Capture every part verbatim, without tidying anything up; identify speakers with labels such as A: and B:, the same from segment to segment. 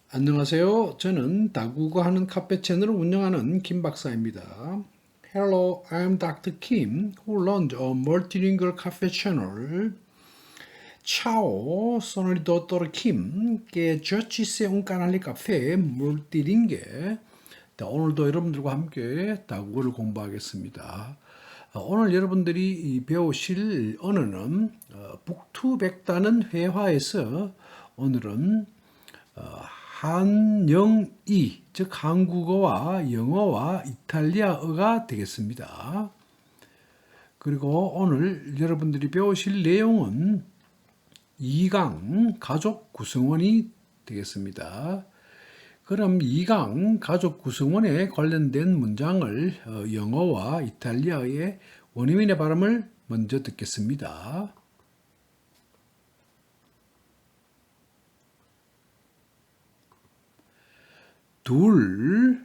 A: 안녕하세요. 저는 다국어 하는 카페 채널을 운영하는 김 박사입니다. Hello, I'm doctor Kim, who runs a multilingual cafe channel. Ciao, sono il dottor Kim, che gestisce un canale caffè multilingue. 자, 오늘도 여러분들과 함께 다국어를 공부하겠습니다. 어, 오늘 여러분들이 이 배우실 언어는 어, 북투백다는 회화에서 오늘은 어, 한영이, 즉 한국어와 영어와 이탈리아어가 되겠습니다. 그리고 오늘 여러분들이 배우실 내용은 이 강 가족 구성원이 되겠습니다. 그럼 이 강 가족 구성원에 관련된 문장을 어, 영어와 이탈리아의 원어민의 발음을 먼저 듣겠습니다. 둘,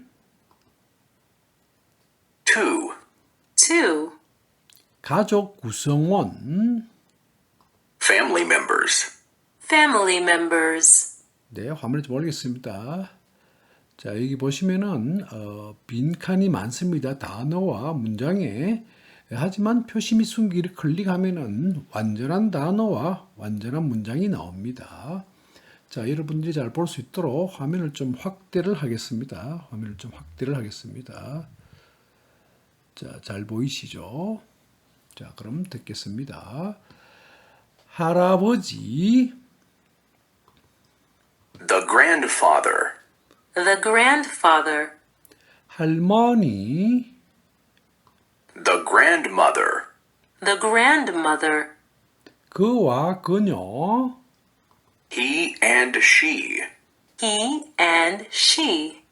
B: two,
C: two,
A: 가족 구성원,
B: family members,
C: family members,
A: 네, 화면에 좀 올리겠습니다. 자, 여기 보시면은 어, 빈칸이 많습니다. 단어와 문장에. 하지만 표시 및 숨기를 클릭하면은 완전한 단어와 완전한 문장이 나옵니다. 자, 여러분들이 잘 볼 수 있도록 화면을 좀 확대를 하겠습니다. 화면을 좀 확대를 하겠습니다. 자, 잘 보이시죠? 자, 그럼 듣겠습니다. 할아버지,
B: the grandfather,
C: the grandfather,
A: 할머니,
B: the grandmother,
C: the grandmother,
A: 그와 그녀,
B: he and she,
C: he and she,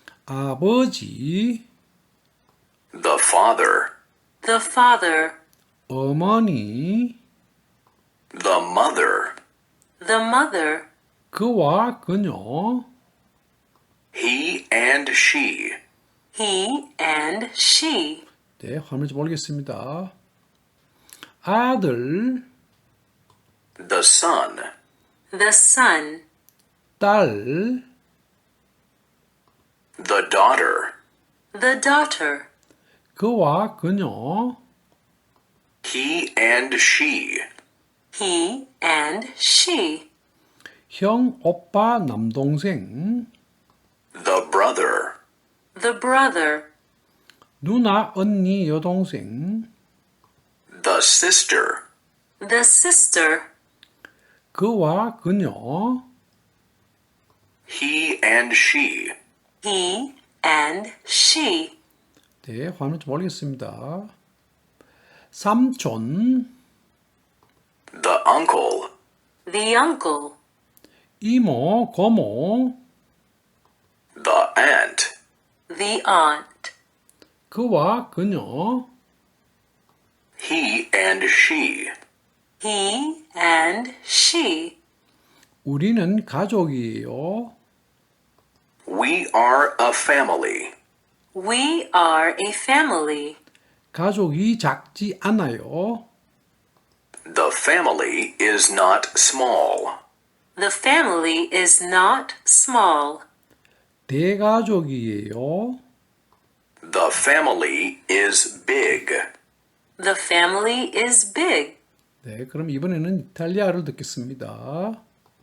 A: 아버지,
B: the father,
C: the father,
A: 어머니,
B: the mother,
C: the mother,
A: 그와 그녀,
B: he and she,
C: he and she,
A: 네, 화면 좀 올리겠습니다. 아들,
B: the son,
C: the son,
A: 딸,
B: the daughter,
C: the daughter,
A: 그와 그녀,
B: he and she,
C: he and she,
A: 형, 오빠, 남동생,
B: the brother,
C: the brother,
A: 누나, 언니, 여동생,
B: the sister,
C: the sister,
A: 그와 그녀,
B: he and she,
C: he and she,
A: 네, 화면 좀 올리겠습니다. 삼촌,
B: the uncle,
C: the uncle,
A: 이모, 고모,
B: the aunt,
C: the aunt,
A: 그와 그녀,
B: he and she,
C: he and she,
A: 우리는 가족이에요.
B: we are a family.
C: we are a family.
A: 가족이 작지 않아요.
B: The family is not small.
C: The family is not small.
A: 대가족이에요.
B: The family is big.
C: The family is big.
A: 네, 그럼 이번에는 이탈리아를 듣겠습니다.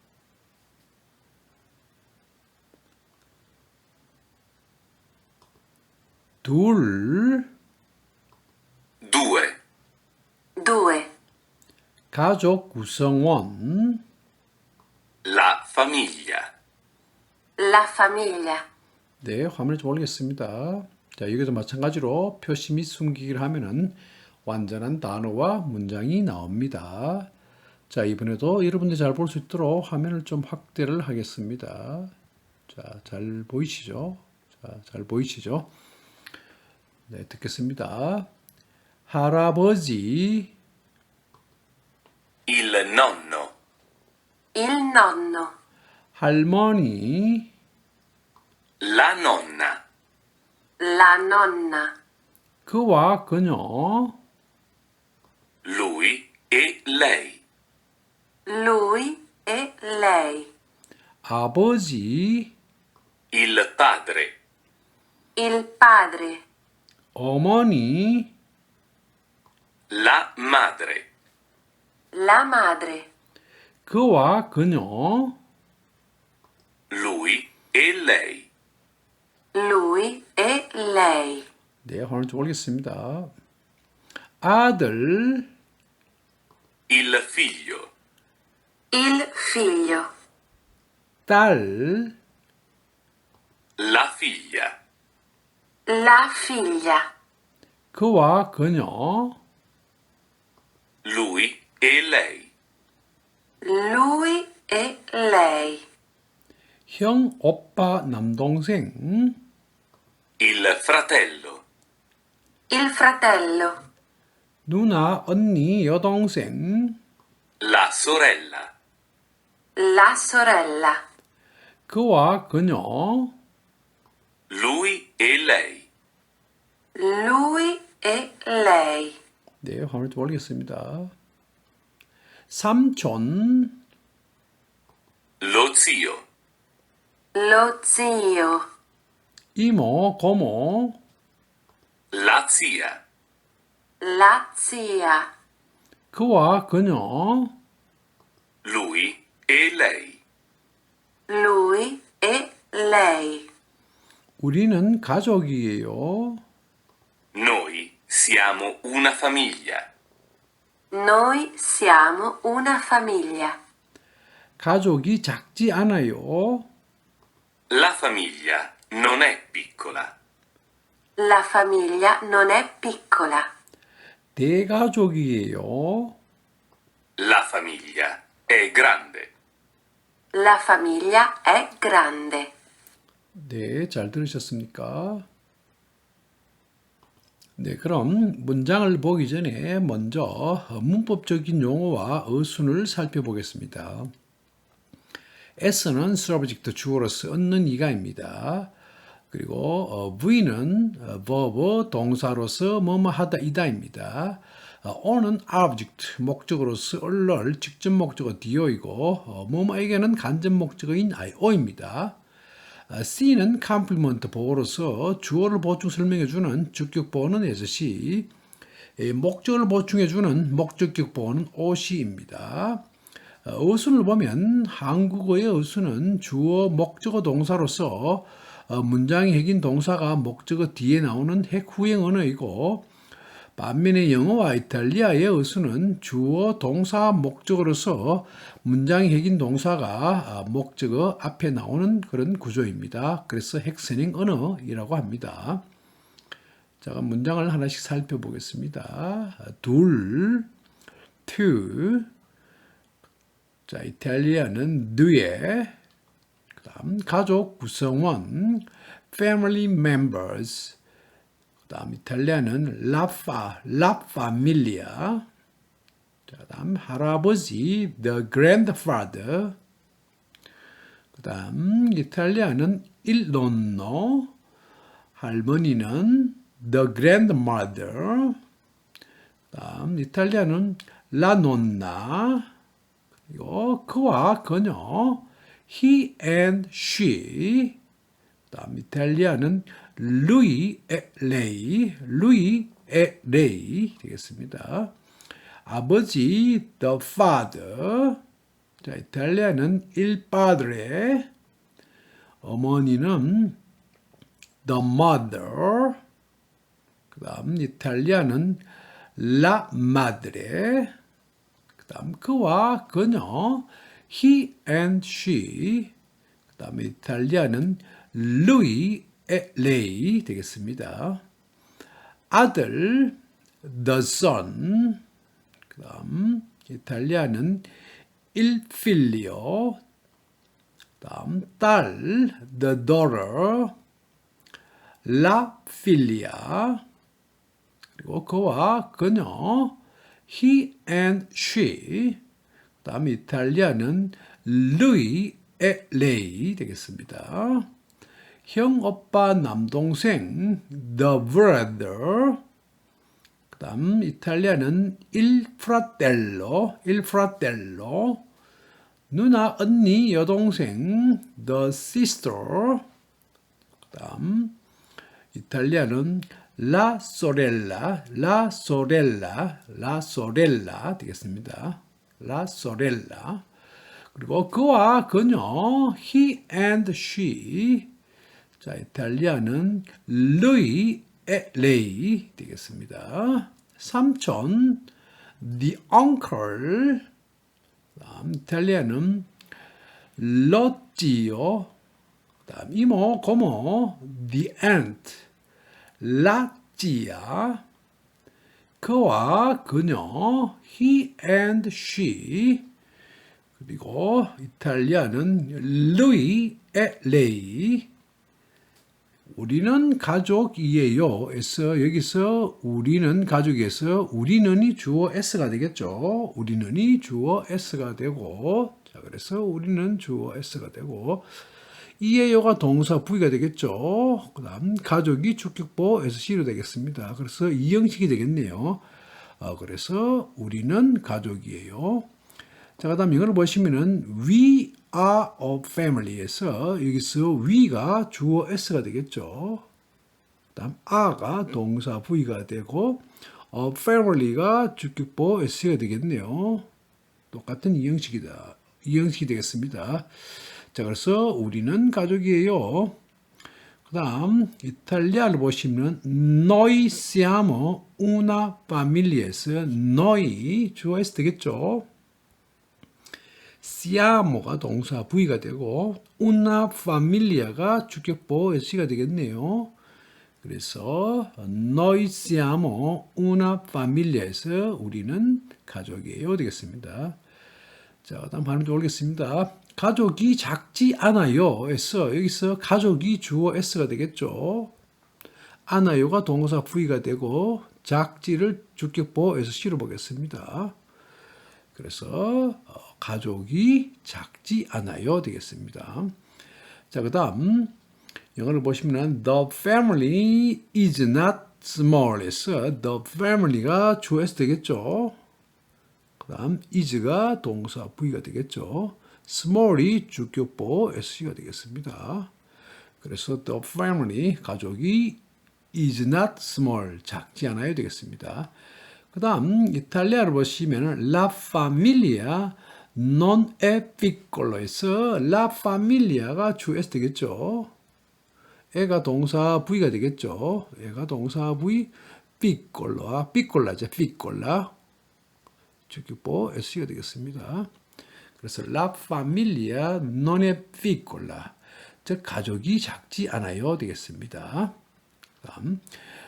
A: 둘,
B: Due.
C: Due.
A: 가족 구성원,
B: La famiglia.
C: La famiglia.
A: 네, 화면을 좀 올리겠습니다. 자, 여기도 마찬가지로 표시 및 숨기기를 하면은 완전한 단어와 문장이 나옵니다. 자, 이번에도 여러분들이 잘 볼 수 있도록 화면을 좀 확대를 하겠습니다. 자, 잘 보이시죠? 자, 잘 보이시죠? 네, 듣겠습니다. 할아버지,
B: Il nonno.
C: Il nonno.
A: 할머니,
B: La nonna.
C: La nonna.
A: 그와 그녀,
B: Lui e lei.
C: Lui e lei.
A: 아버지,
B: il padre,
C: il padre,
A: 어머니,
B: la madre,
C: la madre,
A: 그와 그녀,
B: lui e lei,
C: lui e lei,
A: 네, 오늘 좀 올리겠습니다. 아들,
B: il figlio,
C: il figlio,
A: 딸,
B: la figlia,
C: la figlia,
A: 그와 그녀,
B: lui e lei,
C: lui e lei,
A: 형, 오빠, 남동생,
B: il fratello,
C: il fratello,
A: 누나, 언니, 여동생,
B: la sorella,
C: la sorella,
A: 그와 그녀,
B: lui e lei,
C: lui e lei,
A: 네, 화면을 좀 올리겠습니다. 삼촌,
B: lo zio,
C: lo zio,
A: 이모, 고모,
B: la zia,
C: la zia,
A: 그와 그녀,
B: lui e lei,
C: lui e lei.
A: 우리는 가족이에요.
B: noi siamo una famiglia,
C: Noi siamo una famiglia.
A: 가족이 작지 않아요.
B: la famiglia non è piccola,
C: La famiglia non è piccola.
A: 대가족이에요.
B: la famiglia è grande.
C: La famiglia è grande.
A: 네, 잘 들으셨습니까? 네, 그럼 문장을 보기 전에 먼저 문법적인 용어와 어순을 살펴보겠습니다. S는 subject 주어로서 얻는 이가입니다. 그리고 어, V는 어, verb 동사로서 뭐뭐 하다 이다입니다. 어, O는 object 목적으로서 얼럴 직접 목적어 do이고 어, 뭐뭐에게는 간접 목적어인 io입니다. 어, C는 complement 보어로서 주어를 보충 설명해주는 주격 보어는 as시, 예, 목적어를 보충해주는 목적격 보어는 os입니다. 어, 어순을 보면 한국어의 어순은 주어 목적어 동사로서 어, 문장의 핵인 동사가 목적어 뒤에 나오는 핵 후행 언어이고, 반면에 영어와 이탈리아의 어순은 주어 동사 목적어로서 문장의 핵인 동사가 목적어 앞에 나오는 그런 구조입니다. 그래서 핵선행 언어이라고 합니다. 자, 문장을 하나씩 살펴보겠습니다. 둘, two. 자, 이탈리아는 due. 그 다음 가족 구성원, family members. 그 다음 이탈리아는 la fa, la famiglia. 자, 그 다음 할아버지, the grandfather. 그 다음 이탈리아는 il nonno, 할머니는 the grandmother. 그 다음 이탈리아는 la nonna, 그리고 그와 그녀, he and she. 그 다음 이탈리아는 lui e lei, lui e lei 되겠습니다. 아버지, the father. 자, 이탈리아는 il padre. 어머니는 the mother. 그 다음 이탈리아는 la madre. 그 다음 그와 그녀, he and she. 그 다음에 이탈리아는 lui e lei 되겠습니다. 아들, the son. 그 다음 이탈리아는 il figlio. 그 다음 딸, the daughter. la figlia. 그리고 그와 그녀, he and she. 그 다음 이탈리아는 lui e lei 되겠습니다. 형, 오빠, 남동생, the brother. 그 다음 이탈리아는 il fratello, il fratello. 누나, 언니, 여동생, the sister. 다음 이탈리아는 라 소렐라, 라 소렐라, 라 소렐라 되겠습니다. 라 소렐라. 그리고 그와 그녀, he and she. 자, 이탈리아는 lui e lei 되겠습니다. 삼촌, the uncle. 다음 이탈리아는 lo zio. 다음 이모, 고모, the aunt, la zia. 그와 그녀, he and she. 그리고 이탈리아는 lui e lei. 우리는 가족이에요. 에서 여기서 우리는 가족에서 우리는이 주어 s가 되겠죠. 우리는이 주어 s가 되고, 자 그래서 우리는 주어 s가 되고, 이에요가 동사 V가 되겠죠. 그다음 가족이 주격보 에스씨로 되겠습니다. 그래서 이 형식이 되겠네요. 어, 그래서 우리는 가족이에요. 자, 그다음 이거를 보시면은 we are a family에서 여기서 we가 주어 s가 되겠죠. 그다음 are가 동사 V가 되고 a family가 주격보 s가 되겠네요. 똑같은 이 형식이다. 이 형식이 되겠습니다. 자, 그래서 우리는 가족이에요. 그 다음 이탈리아를 보시면 noi siamo una famiglia에서 noi 주어 s 되겠죠. siamo가 동사 V가 되고 una familia가 주격보 s가 되겠네요. 그래서 noi siamo una famiglia에서 우리는 가족이에요 되겠습니다. 자, 그다음 발음 좀 올리겠습니다. 가족이 작지 않아요. 에서 여기서 가족이 주어 s가 되겠죠. 않아요가 동사 V가 되고 작지를 주격보 에스씨로 보겠습니다. 그래서 가족이 작지 않아요 되겠습니다. 자, 그다음 영어를 보시면 the family is not small에서 the family가 주어 s 되겠죠. 그다음 is가 동사 V가 되겠죠. small이 주격보 s가 되겠습니다. 그래서 the family 가족이 is not small 작지 않아요 되겠습니다. 그 다음 이탈리아를 보시면 la familia non è piccolo에서 la familia가 주 S 되겠죠. 애가 동사 V가 되겠죠. 애가 동사 V piccolo와 piccola죠. piccola 주격보 S가 되겠습니다. 그래서 la familia non è piccola 즉 가족이 작지 않아요 되겠습니다. 다음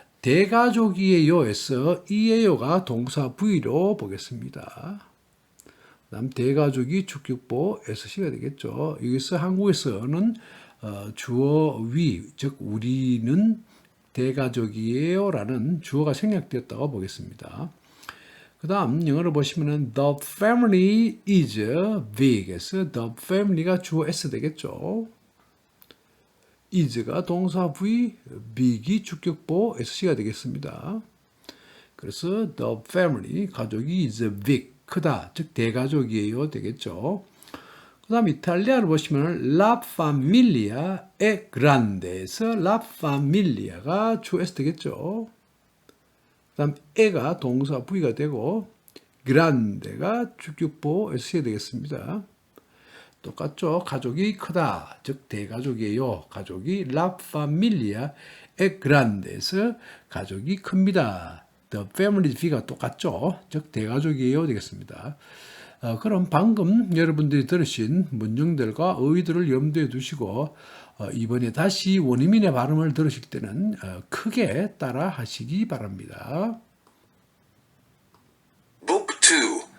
A: 대가족이에요에서 이에요가 동사 V로 보겠습니다. 다음 대가족이 주격보 에스씨가 되겠죠. 여기서 한국에서는 어, 주어 위, 즉 우리는 대가족이에요라는 주어가 생략되었다고 보겠습니다. 그 다음 영어를 보시면은 the family is big에서 the family가 주어 s 되겠죠. is가 동사 V, big이 주격보 s씨가 되겠습니다. 그래서 the family, 가족이 is big, 크다, 즉 대가족이에요 되겠죠. 그 다음 이탈리아를 보시면 la familia è grande에서 la familia가 주 S 되겠죠. 그 다음 에가 동사 V가 되고 grande가 주격보 S가 되겠습니다. 똑같죠. 가족이 크다, 즉 대가족이에요. 가족이 la familia è grande에서 가족이 큽니다. The family V가 똑같죠. 즉 대가족이에요 되겠습니다. 어, 그럼 방금 여러분들이 들으신 문장들과 어휘들을 염두에 두시고 어, 이번에 다시 원어민의 발음을 들으실 때는 어, 크게 따라 하시기 바랍니다.
B: Book two.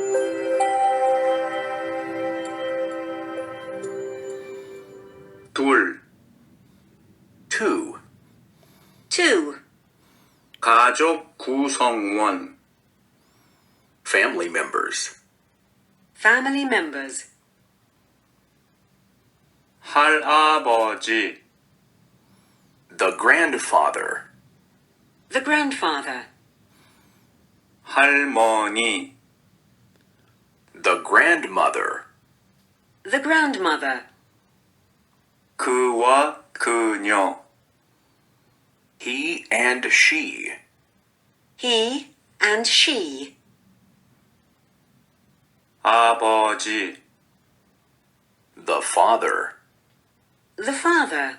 B: 둘. two.
C: Two.
B: 가족 구성원. Family members.
C: Family members.
B: 할아버지. The grandfather.
C: The grandfather.
B: 할머니. The grandmother.
C: The grandmother.
B: 그와 그녀. He and she.
C: He and she.
D: 아버지,
B: The father.
C: The father.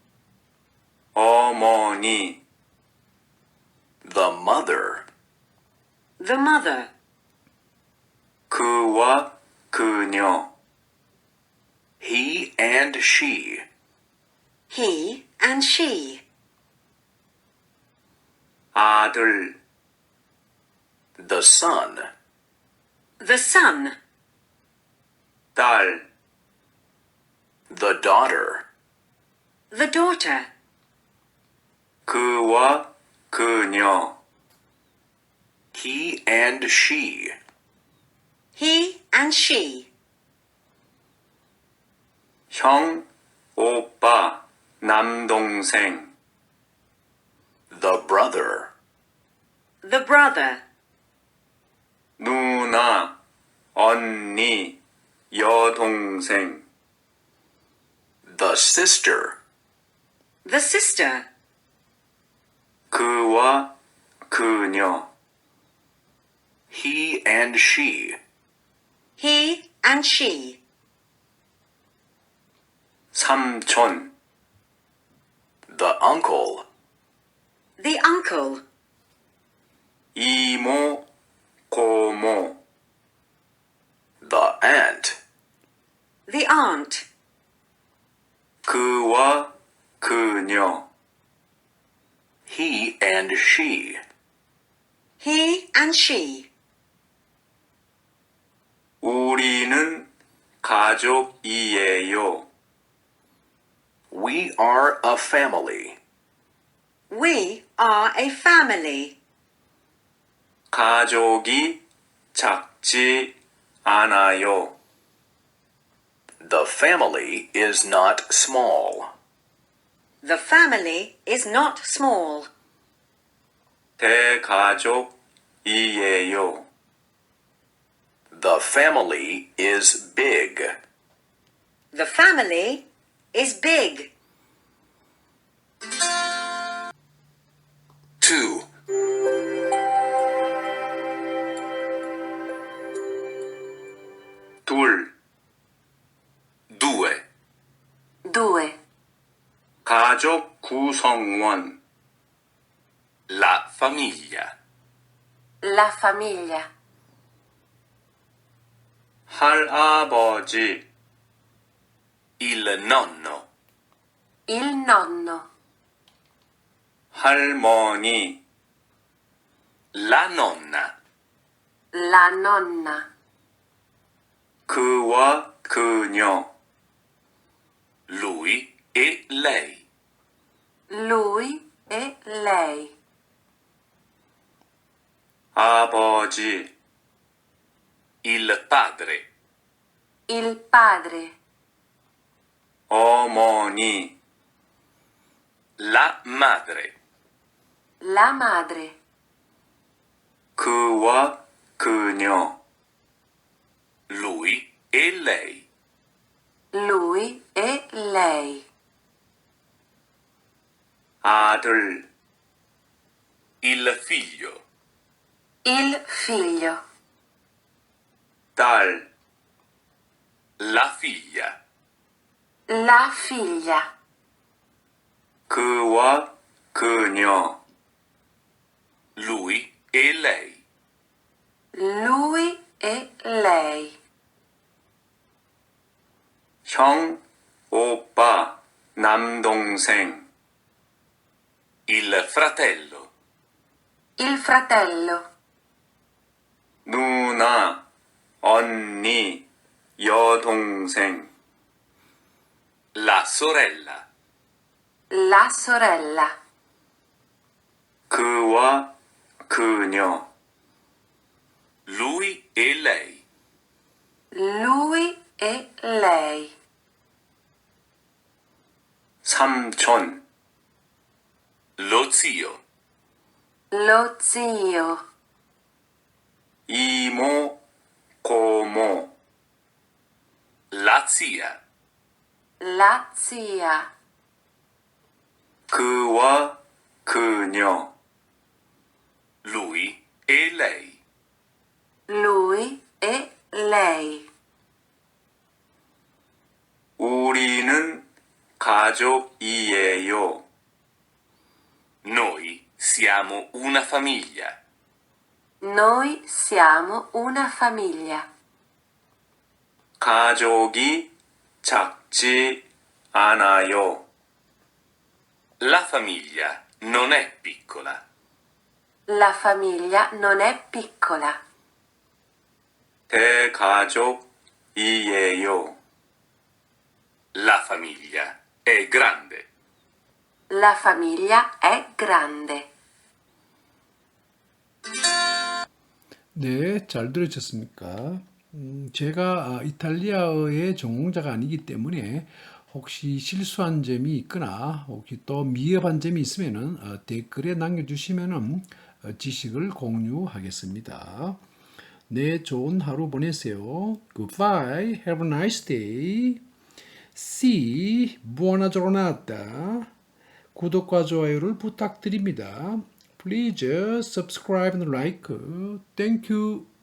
D: 어머니,
B: The mother.
C: The mother.
D: 그와 그녀,
B: He and she.
C: He and she.
D: 아들,
B: The son.
C: The son.
D: 딸,
B: The daughter.
C: The daughter.
D: 그와 그녀,
B: He and she.
C: He and she.
D: 형, 오빠, 남동생,
B: The brother.
C: The brother.
D: 누나, 언니, 여동생,
B: The sister.
C: The sister.
D: 그와 그녀,
B: He and she.
C: He and she.
D: 삼촌,
B: The uncle.
C: The uncle.
D: 이모, 고모,
B: The aunt.
C: The aunt.
D: 그와 그녀,
B: He and she.
C: He and she.
D: 우리는 가족이에요.
B: We are a family.
C: We are a family.
D: 가족이 작지 않아요.
B: The family is not small.
C: The family is not small.
D: 대가족이에요.
B: The family is big.
C: The family is big.
B: Two.
D: 둘,
B: Due.
C: Due.
D: 가족 구성원,
B: La famiglia.
C: La famiglia.
D: 할아버지,
B: Il nonno.
C: Il nonno.
D: 할머니,
B: La nonna.
C: La nonna.
D: 그와 그녀,
B: Lui e lei.
C: Lui e lei.
D: 아버지,
B: Il padre.
C: Il padre.
D: 어머니,
B: La madre.
C: La madre.
D: 그와 그녀,
B: Lui e lei.
C: Lui e lei.
D: 아들,
B: Il figlio.
C: Il figlio.
D: 딸,
B: La figlia.
C: La figlia.
D: 그와 그녀,
B: Lui e lei.
C: Lui e lei.
D: 형, 오빠, 남동생,
B: Il fratello.
C: Il fratello.
D: 누나, 언니, 여동생,
B: La sorella.
C: La sorella.
D: 그와 그녀,
B: Lui e lei.
C: Lui e lei.
D: 삼촌,
B: Lo zio.
C: Lo zio.
D: 이모, 고모,
B: La zia.
C: La zia.
D: 그와 그녀,
B: lui e lei,
C: lui e lei.
D: 우리는 가족이에요.
B: noi siamo una famiglia,
C: Noi siamo una famiglia.
D: 가족이 작지 않아요.
B: la famiglia non è piccola,
C: La famiglia non è piccola.
D: 대가족이에요.
B: la famiglia è grande.
C: La famiglia è grande.
A: 네, 잘 들으셨습니까? 음, 제가 아, 이탈리아어의 전공자가 아니기 때문에 혹시 실수한 점이 있거나 혹시 또 미흡한 점이 있으면은 어, 댓글에 남겨주시면은 어, 지식을 공유하겠습니다. 네, 좋은 하루 보내세요. Goodbye. Have a nice day. C. Buona giornata. 구독과 좋아요를 부탁드립니다. Please subscribe and like. Thank you.